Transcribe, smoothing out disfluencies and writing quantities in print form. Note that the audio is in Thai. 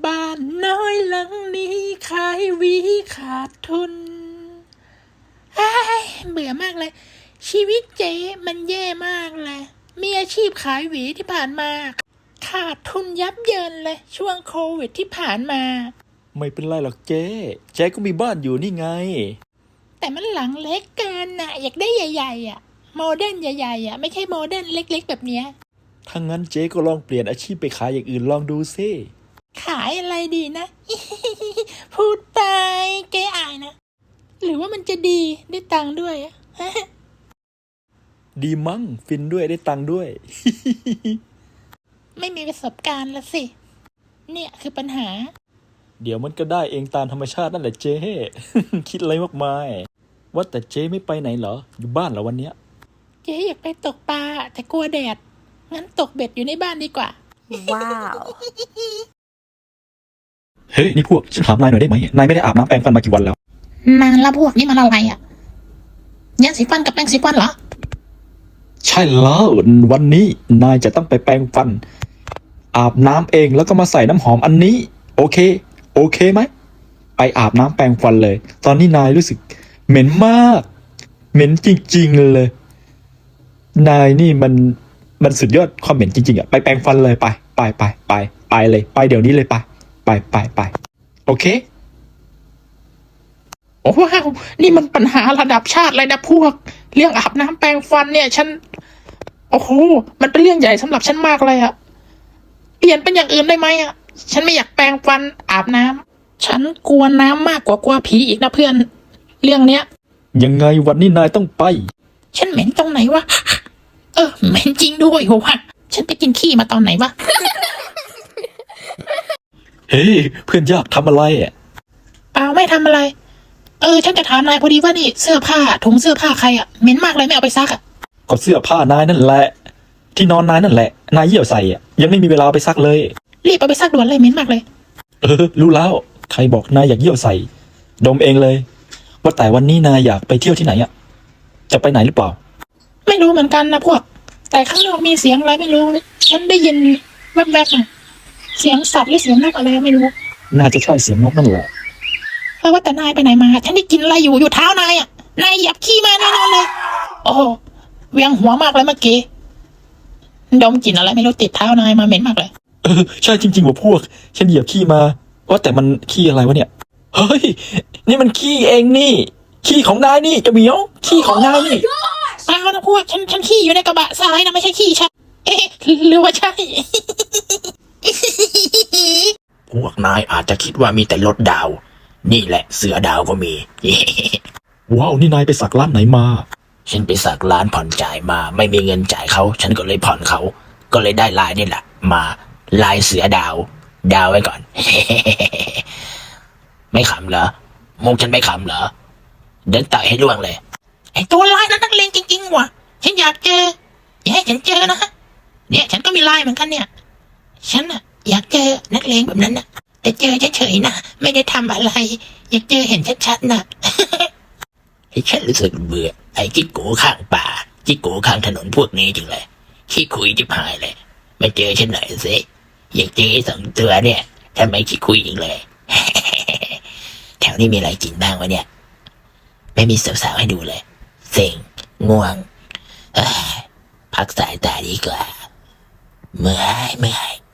บ้านน้อยหลังนี้ขายหวีขาดทุนเบื่อมากเลยชีวิตเจ๊มันแย่มากเลยมีอาชีพขายหวีที่ผ่านมาขาดทุนยับเยินเลยช่วงโควิดที่ผ่านมาไม่เป็นไรหรอกเจ๊ก็มีบ้านอยู่นี่ไงแต่มันหลังเล็กเกินน่ะอยากได้ใหญ่ๆอ่ะโมเดิร์นใหญ่ๆอ่ะไม่ใช่โมเดิร์นเล็กๆแบบเนี้ยถ้างั้นเจ๊ก็ลองเปลี่ยนอาชีพไปขายอย่างอื่นลองดูซิขายอะไรดีนะ พูดไปเจ๊อายนะหรือว่ามันจะดีได้ตังค์ด้วยดีมั้งฟินด้วยได้ตังค์ด้วยไม่มีประสบการณ์ละสิเนี่ยคือปัญหาเดี๋ยวมันก็ได้เองตามธรรมชาตินั่นแหละเจ๊ คิดอะไรมากมายว่าแต่เจ๊ไม่ไปไหนเหรออยู่บ้านเหรอวันเนี้ยเจ๊อยากไปตกปลาแต่กลัวแดดงั้นตกเบ็ดอยู่ในบ้านดีกว่าว้าวเฮ้ยนี่พวกฉันถามนายหน่อยได้ไหมนายไม่ได้อาบน้ำแปรงฟันมากี่วันแล้วนานละพวกนี่มันอะไรอ่ะยาสีฟันกับแปรงสีฟันเหรอใช่แล้ววันนี้นายจะต้องไปแปรงฟันอาบน้ำเองแล้วก็มาใส่น้ำหอมอันนี้โอเคไหมไปอาบน้ำแปรงฟันเลยตอนนี้นายรู้สึกเหม็นมากเหม็นจริงๆเลยนายนี่มันสุดยอดความเหม็นจริงๆอ่ะไปแปรงฟันเลยไปเลยไปเดี๋ยวนี้เลยไปโอเคโอ้ว้าวนี่มันปัญหาระดับชาติเลยนะพวกเรื่องอาบน้ำแปรงฟันเนี่ยฉันโอ้โหมันเป็นเรื่องใหญ่สำหรับฉันมากเลยอะเปลี่ยนเป็นอย่างอื่นได้ไหมอะฉันไม่อยากแปรงฟันอาบน้ำฉันกลัวน้ำมากกว่ากลัวผีอีกนะเพื่อนเรื่องเนี้ยยังไงวันนี้นายต้องไปฉันเหม็นตรงไหนวะเหม็นจริงด้วยโหวะฉันไปกินขี้มาตอนไหนวะเฮ้ยเพื่อนยากทำอะไรอ่ะเปล่าไม่ทำอะไรฉันจะถามนายพอดีว่านี่เสื้อผ้าถุงเสื้อผ้าใครอ่ะเหม็นมากเลยไม่เอาไปซักอ่ะก็เสื้อผ้านายนั่นแหละที่นอนนายนั่นแหละนายเยี่ยวใส่อ่ะยังไม่มีเวลาไปซักเลยรีบเอาไปซักด่วนเลยเหม็นมากเลยรู้แล้วใครบอกนายอยากเยี่ยวใส่ดมเองเลยว่าแต่วันนี้นายอยากไปเที่ยวที่ไหนอ่ะจะไปไหนหรือเปล่าไม่รู้เหมือนกันนะพวกแต่ข้างนอกมีเสียงอะไรไม่รู้ฉันได้ยินแวบๆอ่ะเสียงสัตว์หรือเสียงนกอะไรไม่รู้น่าจะใช่เสียงนกนั่นแหละว่าแต่นายไปไหนมาฉันได้กินอะไรอยู่เท้านายอ่ะนายเหยียบขี้มาแน่นอนเลยโอ้เวียงหัวมากเลยเมื่อกี้ดมกลิ่นอะไรไม่รู้ติดเท้านายมาเหม็นมากเลยใช่จริงๆว่าพวกฉันเหยียบขี้มาว่าแต่มันขี้อะไรวะเนี่ยเฮ้ยนี่มันขี้เองนี่ขี้ของนายนี่จะเหมียวขี้ของนายนี่เปล่านะพวกฉันขี้อยู่ในกระบะทรายนะไม่ใช่ขี้ฉันหรือว่าใช่พวกนายอาจจะคิดว่ามีแต่รถดาวนี่แหละเสือดาวก็มีว้าวนี่นายไปสักร้านไหนมาฉันไปสักร้านผ่อนจ่ายมาไม่มีเงินจ่ายเขาฉันก็เลยผ่อนเขาก็เลยได้ลายนี่แหละมาลายเสือดาวไว้ก่อน ไม่ขำเหรอมุกฉันไม่ขำเหรอเดินต่อยให้ล่วงเลยไอตัวลายนั้นนักเลงจริงๆว่ะฉันอยากเจออย่าให้ฉันเจอนะเนี่ยฉันก็มีลายเหมือนกันเนี่ยฉันอะอยากเจอนักเลงแบบนั้นนะแต่เจอเฉยๆนะไม่ได้ทำอะไรอยากเจอเห็นชัดๆนะฉันรู้สึกเบื่อไอ้จิ๊กโกข้างป่าจิ๊กโกข้างถนนพวกนี้จังเลยขี้คุยจิบหายเลยไม่เจอฉันหน่อยสิอยากเจอสองตัวเนี่ยทำไมขี้คุยอีกเลย แถวนี้มีอะไรกินบ้างวะเนี่ยไม่มีสาวๆให้ดูเลยเซ็งง่วงพักสายตาดีกว่าเมื่อย